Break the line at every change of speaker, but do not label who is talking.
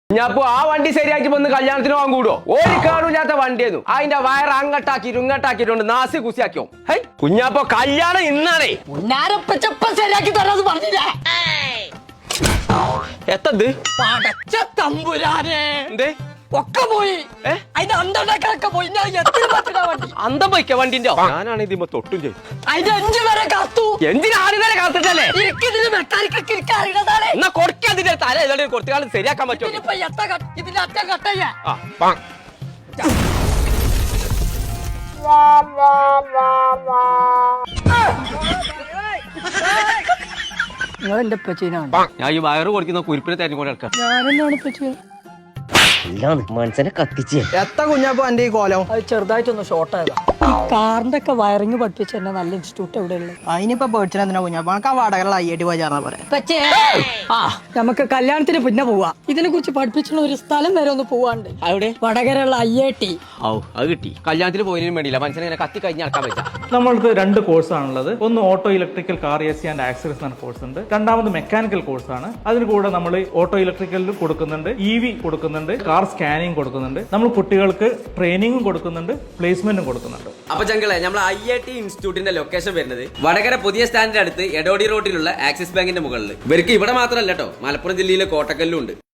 ഞാപ്പോ ആ വണ്ടി ശരിയാക്കി വന്ന് കല്യാണത്തിന് പോകാൻ കൂടോ ഒരു കാണൂല്ലാത്ത വണ്ടിയായിരുന്നു അതിന്റെ വയർ അങ്ങട്ടാക്കിയിട്ട് ഇങ്ങട്ടാക്കിയിട്ടുണ്ട് നാസി കുസിയാക്കിയോ ഹൈ കുഞ്ഞാപ്പോ കല്യാണം ഇന്നാണേ
ശരിയാക്കി തരാന്ന് പറഞ്ഞില്ലേ
എത്തത്
പടച്ച തമ്പുരാനെ
എന്തേ
ഒക്കെ പോയി അതിന്റെ അന്തണ്ടാക്കളൊക്കെ പോയി വണ്ടി
അന്തം പോയിക്ക വണ്ടിന്റെ ഞാനാണ് ഇതിമ്മ തൊട്ടും ചെയ്തു
അതിന്റെ 5 വരെ കാത്തു
എന്തിനാദ്യം വരെ കാത്തിട്ടല്ലേ
ഇതിന് മെക്കാനിക്കൊക്കെ എനിക്ക് അറിയണതാണ്
എന്നാ കൊടുക്കാതിന്റെ തല ഏതാണ്ട് കുറച്ചു കാലം ശരിയാക്കാൻ പറ്റുമോ
ഇതിനിപ്പോ ഇതിന്റെ അറ്റ കട്ടയ്യ നിങ്ങൾ എന്റെ പച്ചീനാണ്
ഞാൻ ഈ വയറ് കൊടുക്കുന്ന കുരിപ്പിനെ തെരഞ്ഞുകൊണ്ട് കിടക്കാം
ഞാനെന്നാണ് പറ്റിയത്
മനസ്സിനെ കത്തിച്ച്
എത്ര കുഞ്ഞാപ്പോ എന്റെ ഈ കോലം
അത് ചെറുതായിട്ടൊന്ന് ഷോർട്ട് ആയതാ ഈ കാറിന്റെ ഒക്കെ വയറിങ് പഠിപ്പിച്ച എന്നെ നല്ല ഇൻസ്റ്റിറ്റ്യൂട്ട് എവിടെയുള്ളത്
അതിനിപ്പോ പേടിച്ചെന്തിനാ കുഞ്ഞാപ്പോ നമുക്ക് ആ വാടകയുള്ള അയ്യടി പോയി ചേർന്നാ പറയാം
നമുക്ക് കല്യാണത്തിന് പിന്നെ പോവാ ഇതിനെ കുറിച്ച് പഠിപ്പിച്ചുള്ള ഒരു സ്ഥലം വരെ ഒന്ന് പോവാണ്ട്
അവിടെ
വടകരയുള്ള IIT
ഔ അത് കിട്ടി കല്യാണത്തിന് പോയതിനും വേണ്ടിയില്ല മനുഷ്യനെ ഇങ്ങനെ കത്തി കഴിഞ്ഞ് നടക്കാൻ പറ്റാ
നമ്മൾക്ക് 2 കോഴ്സാണുള്ളത്. ഒന്ന് auto electrical car AC and accessories എന്ന കോഴ്സ് ഉണ്ട്. രണ്ടാമത് മെക്കാനിക്കൽ കോഴ്സാണ്. അതിന് കൂടെ നമ്മൾ ഓട്ടോ ഇലക്ട്രിക്കലിൽ കൊടുക്കുന്നുണ്ട്, EV കൊടുക്കുന്നുണ്ട്, കാർ സ്കാനിങ് കൊടുക്കുന്നുണ്ട്. നമ്മൾ കുട്ടികൾക്ക് ട്രെയിനിങ്ങും കൊടുക്കുന്നുണ്ട്, പ്ലേസ്മെന്റും കൊടുക്കുന്നുണ്ട്.
അപ്പൊ ചങ്കളെ നമ്മൾ IIT ഇൻസ്റ്റിറ്റ്യൂട്ടിന്റെ ലൊക്കേഷൻ വരുന്നത് വടകര പുതിയ സ്റ്റാൻഡിന്റെ അടുത്ത് എടോടി റോഡിലുള്ള ആക്സിസ് ബാങ്കിന്റെ മുകളിൽ. ഇവർക്ക് ഇവിടെ മാത്രമല്ല കേട്ടോ, മലപ്പുറം ജില്ലയിലെ കോട്ടക്കല്ലും ഉണ്ട്.